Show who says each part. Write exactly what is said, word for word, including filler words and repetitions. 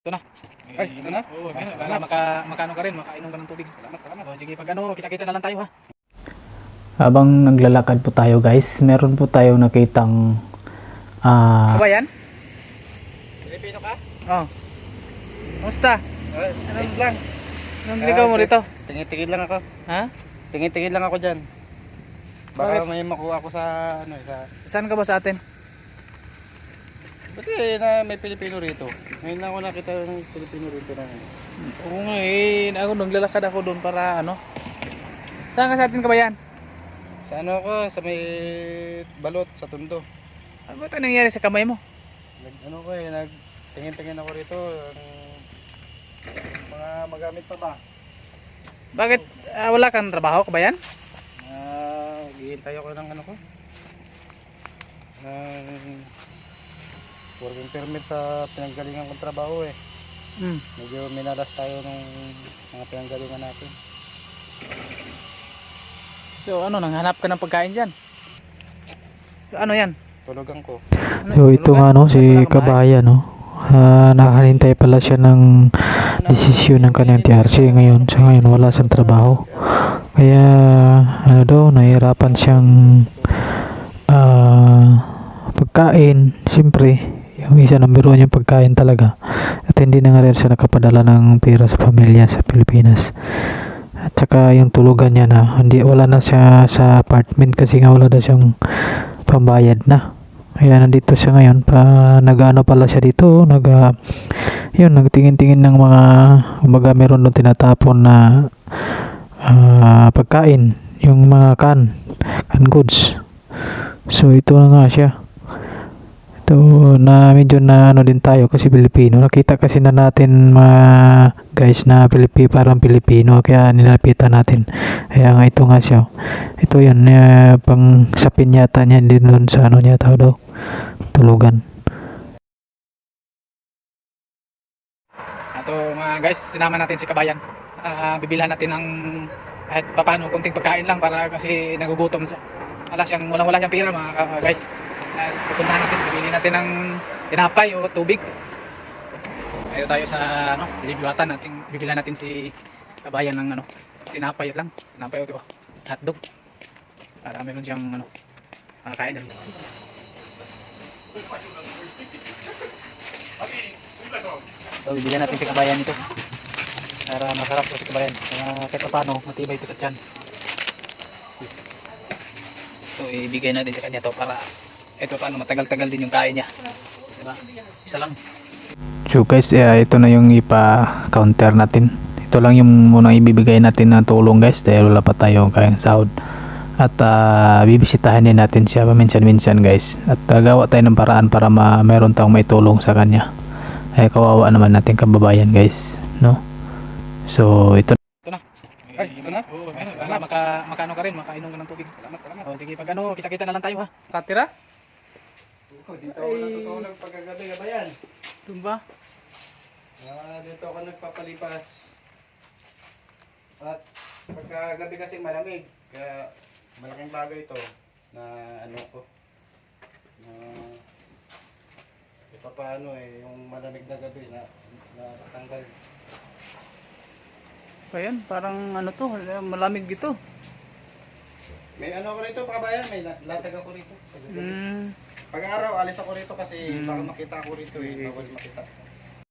Speaker 1: Ito na.
Speaker 2: Ay, ito na?
Speaker 1: Oo, oh, para maka, makano ka rin, makainom ka ng tubig. Salamat, salamat. O, sige, pag ano, kita-kita na lang tayo ha.
Speaker 3: Habang naglalakad po tayo guys, meron po tayong nakitang ah
Speaker 1: Ano ba yan? Pilipino ka? Oo. Kumusta?
Speaker 2: Ay, ayos lang.
Speaker 1: Anong ginagawa mo rito?
Speaker 2: Tingin-tingin lang ako.
Speaker 1: Ha?
Speaker 2: Tingin-tingin lang ako dyan.
Speaker 1: Bakit?
Speaker 2: Baka may makuha ako sa ano sa...
Speaker 1: Saan ka ba sa atin?
Speaker 2: Ba't eh, na may Pilipino rito? Ngayon lang ako nakita ng Pilipino rito na.
Speaker 1: Oo nga eh, ako naglalakad ako doon para ano. Saan ka sa atin ka ba yan?
Speaker 2: Sa ano ako, sa may balot, sa Tondo.
Speaker 1: Ano ba ito nangyari sa kamay mo?
Speaker 2: Nag, ano ko eh, nag tingin-tingin ako rito. Ang mga magamit pa ba?
Speaker 1: Bakit ah, wala kang trabaho ka ba yan?
Speaker 2: Ah, hihintay ako ng ano ko. Ng working permit sa pinanggalingan kong trabaho eh.
Speaker 1: Hmm.
Speaker 2: Medyo minalas tayo ng mga pinanggalingan natin.
Speaker 1: So ano, nanghanap ka ng pagkain dyan? So, ano yan?
Speaker 2: Tulugan ko.
Speaker 1: Ano,
Speaker 3: so ito
Speaker 1: tulugan?
Speaker 3: nga no,
Speaker 1: Wala
Speaker 3: si
Speaker 1: kang bahay?
Speaker 3: Kabayan no. Ah, nakahintay pala siya ng desisyon ng kanyang T R C ngayon. Sa ngayon wala siyang trabaho. Kaya ano daw, nahihirapan siyang ah, pagkain. Siyempre, yung isa number one yung pagkain talaga. At hindi na nga rin siya nakapadala ng pera sa pamilya sa Pilipinas. At saka yung tulugan niya na hindi, wala na siya sa apartment kasi nga wala na siyang pambayad na. Kaya nandito siya ngayon pa nag-ano pala siya dito, nag uh, yun, nagtingin-tingin ng mga umaga meron doon tinatapon na uh, pagkain, yung mga can, can goods. So ito na nga siya. Ito na medyo na ano din tayo kasi Pilipino. Nakita kasi na natin mga guys na Pilipino, parang Pilipino, kaya nilapitan natin. Kaya nga ito nga siya. Ito yan, uh, pang sapin yata niya din doon sa ano niya tao daw. Tulugan.
Speaker 1: Ato mga guys, sinama natin si Kabayan. Uh, bibilhan natin ng kahit papano, konting pagkain lang para kasi nagugutom siya. Wala siyang, walang wala siyang pera mga uh, guys. As pupuntahan natin, bibili natin ng tinapay o tubig. Ayun tayo sa ano, bilibiwatan natin, bibilhan natin si Kabayan ng ano, tinapay lang, tinapay o hotdog. Para meron siyang ano, makakain. So, bibigyan natin si Kabayan ito para masarap po si Kabayan, para kahit paano matibay ito sa tiyan. So ibigay natin sa kanya to para ito paano matagal-tagal din yung kain niya, diba? Isa lang.
Speaker 3: So guys, uh, ito na yung ipa-counter natin. Ito lang yung munang ibibigay natin na tulong guys dahil wala pa tayo kayang sahod. At uh, bibisitahin din natin siya paminsan-minsan guys. At uh, gawa tayo ng paraan para ma meron tayong may tulong sa kanya. Ay kawawa naman natin kababayan guys, no? So ito
Speaker 1: Ito na.
Speaker 2: Ay, ito na?
Speaker 1: Oo, ano, para maka, makano ka rin, makainom ka ng tubig. Salamat, salamat. O sige, pag ano, kita-kita na lang tayo ha. Katira?
Speaker 2: Oh, dito ako natutulog pagkagabi ka ba yan?
Speaker 1: Doon ba?
Speaker 2: Ah, dito ako nagpapalipas. At pagkagabi kasi malamig, kaya malaking bagay ito na ano ko. Na ito pa ano eh, yung malamig na gabi na natatanggal.
Speaker 1: Ayan, parang ano to, malamig ito.
Speaker 2: May ano ako rito, kabayan, may la- latag ako rito.
Speaker 1: Mm.
Speaker 2: Pag araw, alis ako rito kasi
Speaker 1: Mm.
Speaker 2: baka makita ako rito eh, bawal makita.